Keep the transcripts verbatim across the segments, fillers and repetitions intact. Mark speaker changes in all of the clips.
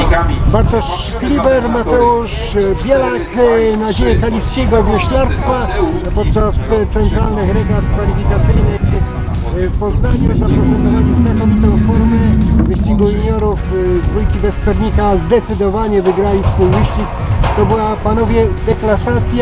Speaker 1: Bartosz Szkliber, Mateusz Bielak, nadzieje kaliskiego wioślarstwa podczas centralnych regat kwalifikacyjnych w Poznaniu. Zaprezentowali znakomitą formę wyścigu juniorów. Dwójki Westernika zdecydowanie wygrali swój wyścig. To była, panowie, deklasacja.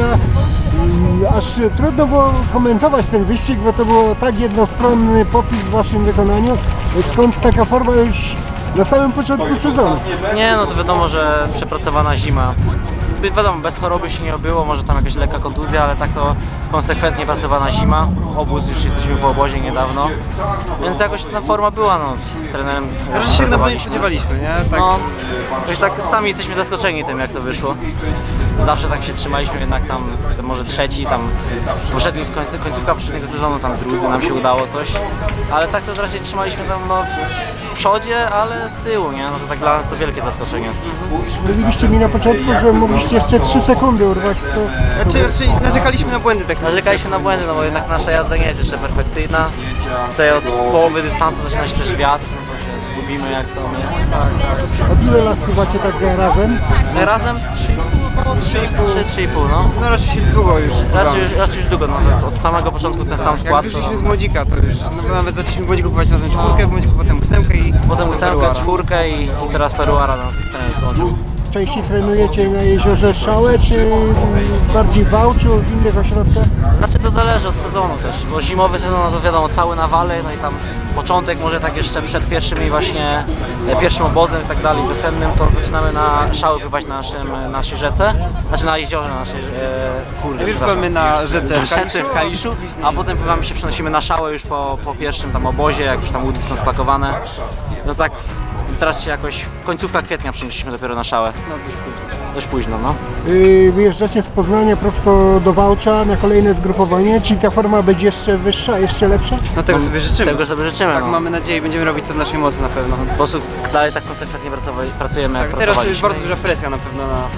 Speaker 1: Aż trudno było komentować ten wyścig, bo to było tak jednostronny popis w waszym wykonaniu. Skąd taka forma już na samym początku sezonu?
Speaker 2: Nie, no to wiadomo, że przepracowana zima. Wiadomo, bez choroby się nie obyło, może tam jakaś lekka kontuzja, ale tak to konsekwentnie pracowana zima. Obóz, już jesteśmy po obozie niedawno, więc jakoś ta forma była, no, z trenerem.
Speaker 3: Raczej się na pewno nie spodziewaliśmy, nie? Tak.
Speaker 2: No, jakoś tak sami jesteśmy zaskoczeni tym, jak to wyszło. Zawsze tak się trzymaliśmy, jednak tam może trzeci, tam poprzednim końcu, końcówka poprzedniego sezonu, tam drudzy nam się udało coś, ale tak to raczej trzymaliśmy tam, no, w przodzie, ale z tyłu, nie? No to tak dla nas to wielkie zaskoczenie.
Speaker 1: Mówiliście mi na początku, że mogliście jeszcze trzy sekundy urwać. To...
Speaker 3: Znaczy, raczej narzekaliśmy na błędy techniczne.
Speaker 2: Narzekaliśmy na błędy, no bo jednak nasza jazda nie jest jeszcze perfekcyjna. Tutaj od połowy dystansu zaczyna się też wiatr, no to się zgubimy jak to nie.
Speaker 1: Od ile lat pływacie tak razem?
Speaker 2: Razem trzy i pół, trzy i pół, no.
Speaker 3: No raczej się długo już.
Speaker 2: Raczej, raczej już długo, no, od samego początku ten sam
Speaker 3: Jak
Speaker 2: skład.
Speaker 3: wyszliśmy
Speaker 2: To,
Speaker 3: z Młodzika, to już no, nawet zaczęliśmy w Młodziku pływać razem czwórkę, w Młodziku potem ósemkę i
Speaker 2: potem ósemkę,
Speaker 3: Peruara.
Speaker 2: czwórkę i, i teraz Peruara nas z tej strony złączył.
Speaker 1: Częściej trenujecie na jeziorze Szałe, czy bardziej w Wałczu, w innych ośrodkach?
Speaker 2: Znaczy to zależy od sezonu też, bo zimowy sezon no to wiadomo cały na wale, no i tam początek może tak jeszcze przed pierwszymi właśnie, e, pierwszym obozem i tak dalej, wiosennym, to zaczynamy na Szały pływać na naszym, naszej rzece, znaczy na jeziorze na naszej, e, kurde,
Speaker 3: Najpierw pływamy na rzece
Speaker 2: na
Speaker 3: w
Speaker 2: rzece
Speaker 3: Kaliszu,
Speaker 2: w Kaliszu, a potem pływamy się, przenosimy na Szałę już po, po pierwszym tam obozie, jak już tam łódki są spakowane, no tak. Teraz się jakoś w końcówka kwietnia przenieśliśmy dopiero na Szałę.
Speaker 3: No dość późno.
Speaker 2: Dość późno, no.
Speaker 1: Yy, wyjeżdżacie z Poznania prosto do Wałcza na kolejne zgrupowanie. Czy ta forma będzie jeszcze wyższa, jeszcze lepsza?
Speaker 3: No tego sobie życzymy.
Speaker 2: Tego sobie życzymy,
Speaker 3: Tak,
Speaker 2: no.
Speaker 3: mamy nadzieję, będziemy robić co w naszej mocy na pewno.
Speaker 2: Po prostu dalej tak konsekwentnie pracowa- pracujemy, jak
Speaker 3: Tak, teraz to jest
Speaker 2: pracowaliśmy.
Speaker 3: bardzo duża presja na pewno na nas.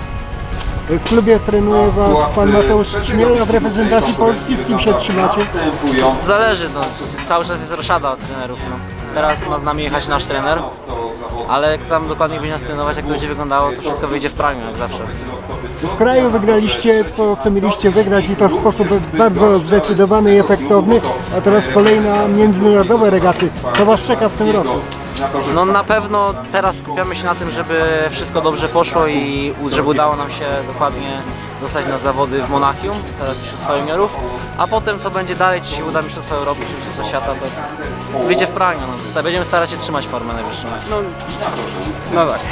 Speaker 1: W klubie trenuje was pan Mateusz Szmiel, a w reprezentacji Polski z kim się trzymacie?
Speaker 2: Zależy, no. Cały czas jest roszada od trenerów, no. Teraz ma z nami jechać nasz trener, ale jak tam dokładnie będzie nas trenować, jak to będzie wyglądało, to wszystko wyjdzie w praniu, jak zawsze.
Speaker 1: W kraju wygraliście to, co mieliście wygrać i to w sposób bardzo zdecydowany i efektowny, a teraz kolejna międzynarodowe regaty. Co was czeka w tym roku?
Speaker 2: No na pewno teraz skupiamy się na tym, żeby wszystko dobrze poszło i u- żeby udało nam się dokładnie dostać na zawody w Monachium, teraz Mistrzostwa Juniorów, a potem co będzie dalej, czy się uda Mistrzostwa Europy, czy Mistrzostwa Świata, to wyjdzie w praniu. No. Będziemy starać się trzymać formę najwyższą.
Speaker 3: No, no tak.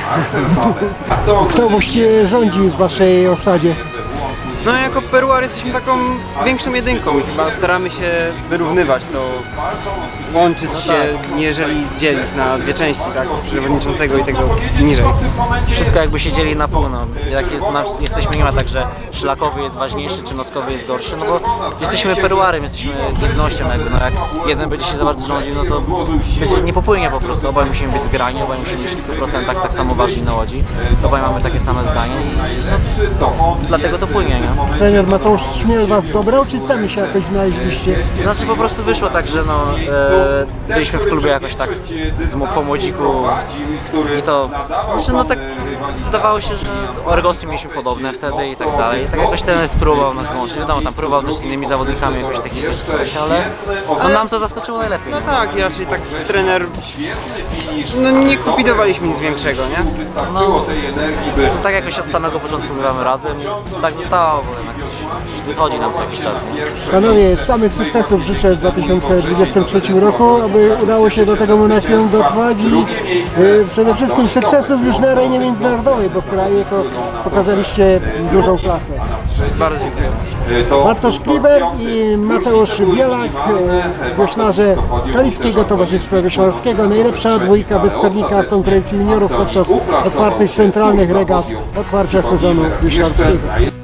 Speaker 1: Kto właściwie rządzi w waszej osadzie?
Speaker 3: No jako Peruar jesteśmy taką większą jedynką. Chyba staramy się wyrównywać to, łączyć się, jeżeli dzielić na dwie części, tak? Przewodniczącego i tego niżej.
Speaker 2: Wszystko jakby się dzieli na pół, no. Jak jest, ma- jesteśmy, nie ma tak, że szlakowy jest ważniejszy, czy noskowy jest gorszy, no bo jesteśmy Peruarem, jesteśmy jednością jakby, no jak jeden będzie się za bardzo rządził, no to będzie, nie popłynie po prostu, obaj musimy być zgrani, obaj musimy być w stu procentach tak samo ważni na łodzi, obaj mamy takie same zdanie i no, dlatego to płynie, nie?
Speaker 1: Trener Mateusz Szmiel was dobrał, czy sami się jakoś znaleźliście?
Speaker 2: Znaczy po prostu wyszło tak, że no, e, byliśmy w klubie jakoś tak z, mo- po młodziku i to, znaczy no tak wydawało się, że orgosy mieliśmy podobne wtedy i tak dalej. I tak jakoś ten spróbował nas łączyć. Wiadomo, tam próbował też z innymi zawodnikami jakoś takich coś, ale no, nam to zaskoczyło najlepiej.
Speaker 3: No tak, i raczej tak trener, no nie kombinowaliśmy nic większego, nie?
Speaker 2: No, to tak jakoś od samego początku bywamy razem i tak zostało, bo jednak coś, coś wychodzi nam co jakiś czas. Nie?
Speaker 1: Panowie, samych sukcesów życzę w dwa tysiące dwudziestym trzecim roku, aby udało się do tego Monachium dotrwać i y, przede wszystkim sukcesów już na arenie międzynarodowej, bo w kraju to pokazaliście dużą klasę.
Speaker 3: Bardzo dziękuję.
Speaker 1: Bartosz Szkliber i Mateusz Bielak, y, wioślarze Kaliskiego Towarzystwa Wioślarskiego, najlepsza dwójka Westernika w konkurencji juniorów podczas otwartych centralnych regat otwarcia sezonu wioślarskiego.